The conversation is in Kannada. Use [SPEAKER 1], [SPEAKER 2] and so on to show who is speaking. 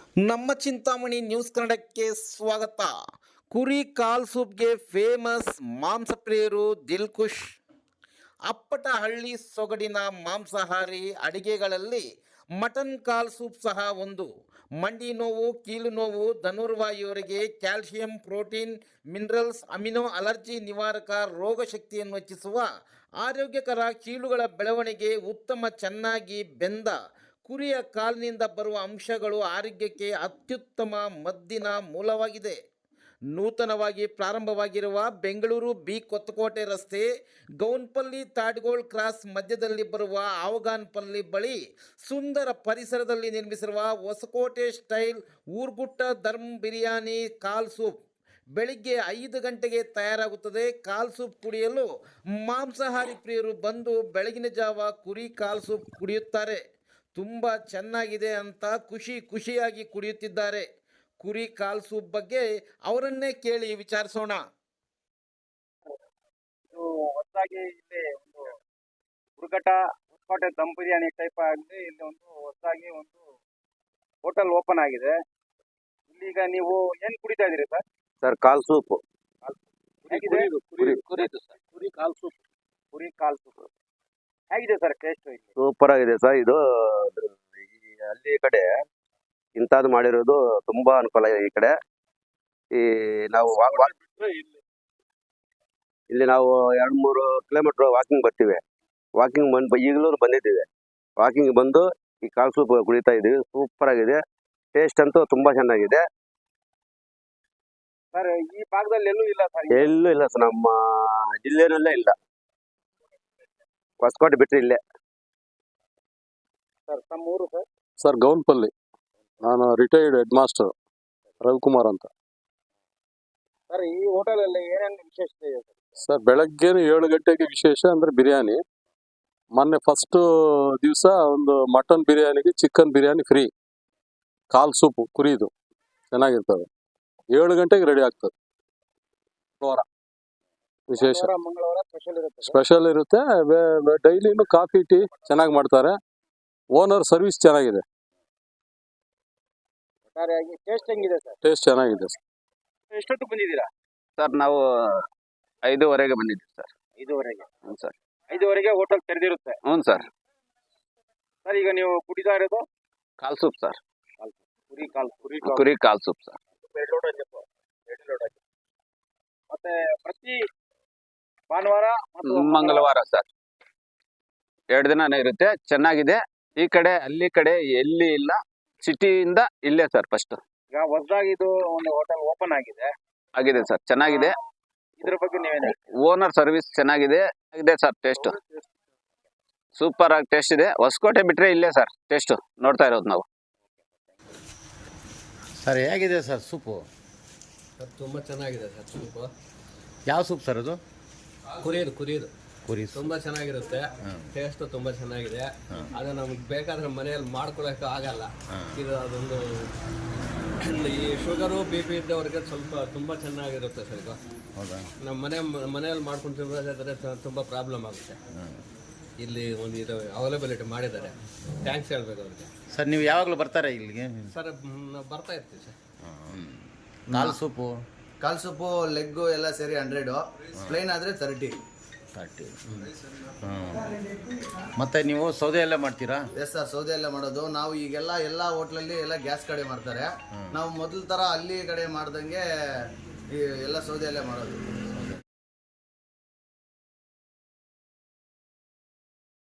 [SPEAKER 1] ನಮ್ಮ ಚಿಂತಾಮಣಿ ನ್ಯೂಸ್ ಕನ್ನಡಕ್ಕೆ ಸ್ವಾಗತ. ಕುರಿ ಕಾಲ್ ಸೂಪ್ಗೆ ಫೇಮಸ್ ಮಾಂಸಪ್ರಿಯರು ದಿಲ್ಖುಷ್. ಅಪ್ಪಟ ಹಳ್ಳಿ ಸೊಗಡಿನ ಮಾಂಸಾಹಾರಿ ಅಡಿಗೆಗಳಲ್ಲಿ ಮಟನ್ ಕಾಲ್ ಸೂಪ್ ಸಹ ಒಂದು. ಮಂಡಿ ನೋವು, ಕೀಲು ನೋವು, ಧನುರ್ವಾಯುವರಿಗೆ calcium, protein, minerals, amino, allergy ನಿವಾರಕ, ರೋಗ ಶಕ್ತಿಯನ್ನು ಹೆಚ್ಚಿಸುವ, ಆರೋಗ್ಯಕರ ಕೀಲುಗಳ ಬೆಳವಣಿಗೆ, ಉತ್ತಮ ಚೆನ್ನಾಗಿ ಬೆಂದ ಕುರಿಯ ಕಾಲಿನಿಂದ ಬರುವ ಅಂಶಗಳು ಆರೋಗ್ಯಕ್ಕೆ ಅತ್ಯುತ್ತಮ ಮದ್ದಿನ ಮೂಲವಾಗಿದೆ. ನೂತನವಾಗಿ ಪ್ರಾರಂಭವಾಗಿರುವ ಬೆಂಗಳೂರು ಬಿ ಕೊತ್ತಕೋಟೆ ರಸ್ತೆ, ಗೌನ್ಪಲ್ಲಿ ತಾಡ್ಗೋಳ್ ಕ್ರಾಸ್ ಮಧ್ಯದಲ್ಲಿ ಬರುವ ಆವಗಾನ್ಪಲ್ಲಿ ಬಳಿ ಸುಂದರ ಪರಿಸರದಲ್ಲಿ ನಿರ್ಮಿಸಿರುವ ಹೊಸಕೋಟೆ ಸ್ಟೈಲ್ ಊರ್ಗುಟ್ಟ ಧರ್ಮ್ ಬಿರಿಯಾನಿ ಕಾಲ್ ಸೂಪ್ ಬೆಳಿಗ್ಗೆ 5 ಗಂಟೆಗೆ ತಯಾರಾಗುತ್ತದೆ. ಕಾಲ್ ಸೂಪ್ ಕುಡಿಯಲು ಮಾಂಸಾಹಾರಿ ಪ್ರಿಯರು ಬಂದು ಬೆಳಗಿನ ಜಾವ ಕುರಿ ಕಾಲ್ ಸೂಪ್ ಕುಡಿಯುತ್ತಾರೆ. ತುಂಬ ಚೆನ್ನಾಗಿದೆ ಅಂತ ಖುಷಿಯಾಗಿ ಕುಡಿಯುತ್ತಿದ್ದಾರೆ. ಕುರಿ ಕಾಲ್ ಸೂಪ್ ಬಗ್ಗೆ ಅವರನ್ನೇ ಕೇಳಿ ವಿಚಾರಿಸೋಣ.
[SPEAKER 2] ಇದು ಹೊಸದಾಗಿ ಇಲ್ಲಿ ಒಂದು ಹುಡುಗಟ ಹೊಸಕೋಟೆ ದಮ್ ಬಿರಿಯಾನಿ ಟೈಪ್ ಆಗಿ ಇಲ್ಲಿ ಒಂದು ಹೊಸದಾಗಿ ಒಂದು ಹೋಟೆಲ್ ಓಪನ್ ಆಗಿದೆ. ಇಲ್ಲಿಗ ನೀವು ಏನ್ ಕುಡಿತಾ ಇದೀರಿ ಸರ್?
[SPEAKER 3] Sir call soup.
[SPEAKER 2] ಹೇಗಿದೆ?
[SPEAKER 3] ಕುರಿ ಕಾಲ್ ಸೂಪ್.
[SPEAKER 2] ಕುರಿ ಕಾಲ್ ಸೂಪ್ ಹೇಗಿದೆ ಸರ್ ಟೇಸ್ಟ್?
[SPEAKER 3] ಸೂಪರ್ ಆಗಿದೆ ಸರ್. ಇದು ಈ ಹಳ್ಳಿ ಕಡೆ ಇಂಥದ್ದು ಮಾಡಿರೋದು ತುಂಬಾ ಅನುಕೂಲ. ಈ ಕಡೆ ಈ ನಾವು ಇಲ್ಲಿ ನಾವು 2-3 ಕಿಲೋಮೀಟರ್ ವಾಕಿಂಗ್ ಬರ್ತೀವಿ. ವಾಕಿಂಗ್ ಈಗಲೂ ಬಂದಿದ್ದೀವಿ. ವಾಕಿಂಗ್ ಬಂದು ಈ ಕಾಲ್ ಸೂಪ್ ಕುಡಿತಾ ಇದೀವಿ. ಸೂಪರ್ ಆಗಿದೆ. ಟೇಸ್ಟ್ ಅಂತೂ ತುಂಬಾ ಚೆನ್ನಾಗಿದೆ
[SPEAKER 2] ಸರ್. ಈ ಭಾಗದಲ್ಲಿ ಎಲ್ಲೂ ಇಲ್ಲ ಸರ್?
[SPEAKER 3] ಎಲ್ಲೂ ಇಲ್ಲ ಸರ್, ನಮ್ಮ ಜಿಲ್ಲೆನಲ್ಲೇ ಇಲ್ಲ. ಹೊಸಕೋಟೆ ಬಿಟ್ಟರೆ ಇಲ್ಲೇ
[SPEAKER 2] ಸರ್. ತಮ್ಮ ಊರು ಸರ್?
[SPEAKER 4] ಸರ್ ಗೌನ್ಪಲ್ಲಿ. ನಾನು ರಿಟೈರ್ಡ್ ಹೆಡ್ ಮಾಸ್ಟರ್ ರವಿಕುಮಾರ್ ಅಂತ.
[SPEAKER 2] ಸರ್ ಈ ಹೋಟೆಲ್ ಅಲ್ಲಿ ಏನೇನು ವಿಶೇಷತೆ ಇದೆ ಸರ್?
[SPEAKER 4] ಸರ್ ಬೆಳಗ್ಗೆ 7 ಗಂಟೆಗೆ ವಿಶೇಷ ಅಂದ್ರೆ ಬಿರಿಯಾನಿ. ಮೊನ್ನೆ ಫಸ್ಟ್ ದಿವಸ ಒಂದು ಮಟನ್ ಬಿರಿಯಾನಿಗೆ ಚಿಕನ್ ಬಿರಿಯಾನಿ ಫ್ರೀ. ಕಾಲ್ ಸೂಪು ಕುರಿದು ಚೆನ್ನಾಗಿರ್ತದೆ. 7 ಗಂಟೆಗೆ ರೆಡಿ ಆಗ್ತದೆ. ವಿಶೇಷ
[SPEAKER 2] ಮಂಗಳವಾರ
[SPEAKER 4] ಸ್ಪೆಷಲ್ ಇರುತ್ತೆ. ಡೈಲಿನೂ ಕಾಫಿ ಟೀ ಚೆನ್ನಾಗಿ ಮಾಡ್ತಾರೆ. ಓನರ್ ಸರ್ವಿಸ್ ಚೆನ್ನಾಗಿದೆ.
[SPEAKER 2] ಟೇಸ್ಟ್ ಹೆಂಗಿದೆ ಸರ್?
[SPEAKER 4] ಟೇಸ್ಟ್ ಚೆನ್ನಾಗಿದೆ ಸರ್.
[SPEAKER 2] ಎಷ್ಟೊತ್ತು ಬಂದಿದ್ದೀರಾ
[SPEAKER 3] ಸರ್? ನಾವು 5:15ಗೆ ಬಂದಿದ್ದೀವಿ ಸರ್.
[SPEAKER 2] 5:15?
[SPEAKER 3] ಹ್ಞೂ ಸರ್.
[SPEAKER 2] 5:15ಗೆ ಹೋಟೆಲ್ ತೆರೆದಿರುತ್ತೆ?
[SPEAKER 3] ಹ್ಞೂ ಸರ್.
[SPEAKER 2] ಸರ್ ಈಗ ನೀವು ಕುಡಿತಾ ಇರೋದು
[SPEAKER 3] ಕಾಲ್ ಸೂಪ್ ಸರ್.
[SPEAKER 2] ಕುರಿ
[SPEAKER 3] ಕಾಲ್ ಸೂಪ್ ಸರ್.
[SPEAKER 2] ಮತ್ತೆ ಪ್ರತಿ ಭಾನುವಾರ
[SPEAKER 3] ಮಂಗಳವಾರ ಸರ್ 2 ದಿನ ಇರುತ್ತೆ. ಚೆನ್ನಾಗಿದೆ. ಈ ಕಡೆ ಅಲ್ಲಿ ಕಡೆ ಎಲ್ಲಿ ಇಲ್ಲ. ಸಿಟಿಯಿಂದ ಇಲ್ಲೇ ಸರ್ ಫಸ್ಟ್.
[SPEAKER 2] ಈಗ ಹೊಸದಾಗಿ ಇದು ಒಂದು ಹೋಟೆಲ್ ಓಪನ್ ಆಗಿದೆ
[SPEAKER 3] ಸರ್. ಚೆನ್ನಾಗಿದೆ.
[SPEAKER 2] ಇದ್ರ ಬಗ್ಗೆ ನೀವೇನು?
[SPEAKER 3] ಓನರ್ ಸರ್ವಿಸ್ ಚೆನ್ನಾಗಿದೆ ಸರ್. ಟೇಸ್ಟ್ ಸೂಪರ್ ಆಗಿ ಟೇಸ್ಟ್ ಇದೆ. ಹೊಸಕೋಟೆ ಬಿಟ್ರೆ ಇಲ್ಲೇ ಸರ್ ಟೇಸ್ಟ್ ನೋಡ್ತಾ ಇರೋದು ನಾವು.
[SPEAKER 1] ಸರ್ ಹೇಗಿದೆ ಸರ್ ಸೂಪು?
[SPEAKER 5] ಸರ್ ತುಂಬ ಚೆನ್ನಾಗಿದೆ ಸರ್ ಸೂಪು.
[SPEAKER 1] ಯಾವ ಸೂಪ್ ಸರ್ ಅದು?
[SPEAKER 5] ಕುರಿದು
[SPEAKER 1] ಕುರಿ
[SPEAKER 5] ತುಂಬ ಚೆನ್ನಾಗಿರುತ್ತೆ. ಟೇಸ್ಟು ತುಂಬ ಚೆನ್ನಾಗಿದೆ. ಅದು ನಮಗೆ ಬೇಕಾದ್ರೆ ಮನೆಯಲ್ಲಿ ಮಾಡ್ಕೊಳಕ್ಕೆ ಆಗಲ್ಲ. ಇದು ಅದೊಂದು ಈ ಶುಗರು BP ಇದ್ದವ್ರಿಗೆ ಸ್ವಲ್ಪ ತುಂಬ ಚೆನ್ನಾಗಿರುತ್ತೆ ಸರ್. ಇದು
[SPEAKER 1] ಹೌದಾ?
[SPEAKER 5] ನಮ್ಮ ಮನೆಯಲ್ಲಿ ಮಾಡ್ಕೊಂಡು ತಿನ್ನೋದಾದ್ರೆ ತುಂಬ ಪ್ರಾಬ್ಲಮ್ ಆಗುತ್ತೆ. ಇಲ್ಲಿ ಒಂದು ಇದು ಅವೈಲಬಿಲಿಟಿ ಮಾಡಿದ್ದಾರೆ. ಥ್ಯಾಂಕ್ಸ್ ಹೇಳ್ಬೇಕು ಅವ್ರಿಗೆ.
[SPEAKER 1] ಸರ್ ನೀವು ಯಾವಾಗಲೂ ಬರ್ತಾರೆ ಇಲ್ಲಿಗೆ?
[SPEAKER 5] ಸರ್ ನಾವು ಬರ್ತಾ ಇರ್ತೀವಿ ಸರ್.
[SPEAKER 1] ಕಾಲ್ ಸೂಪು
[SPEAKER 6] ಲೆಗ್ಗು ಎಲ್ಲ ಸೇರಿ 100, ಪ್ಲೇನ್ ಆದರೆ 30.
[SPEAKER 1] ಮತ್ತೆ ನೀವು ಸೌದೆ ಎಲ್ಲ ಮಾಡ್ತೀರಾ?
[SPEAKER 6] ಎಸ್ ಸರ್, ಸೌದೆ ಎಲ್ಲ ಮಾಡೋದು ನಾವು. ಈಗೆಲ್ಲ ಎಲ್ಲ ಹೋಟ್ಲಲ್ಲಿ ಎಲ್ಲ ಗ್ಯಾಸ್ ಕಡೆ ಮಾಡ್ತಾರೆ. ನಾವು ಮೊದಲ ಥರ ಅಲ್ಲಿ ಕಡೆ ಮಾಡ್ದಂಗೆ ಎಲ್ಲ ಸೌದೆ ಎಲ್ಲ ಮಾಡೋದು.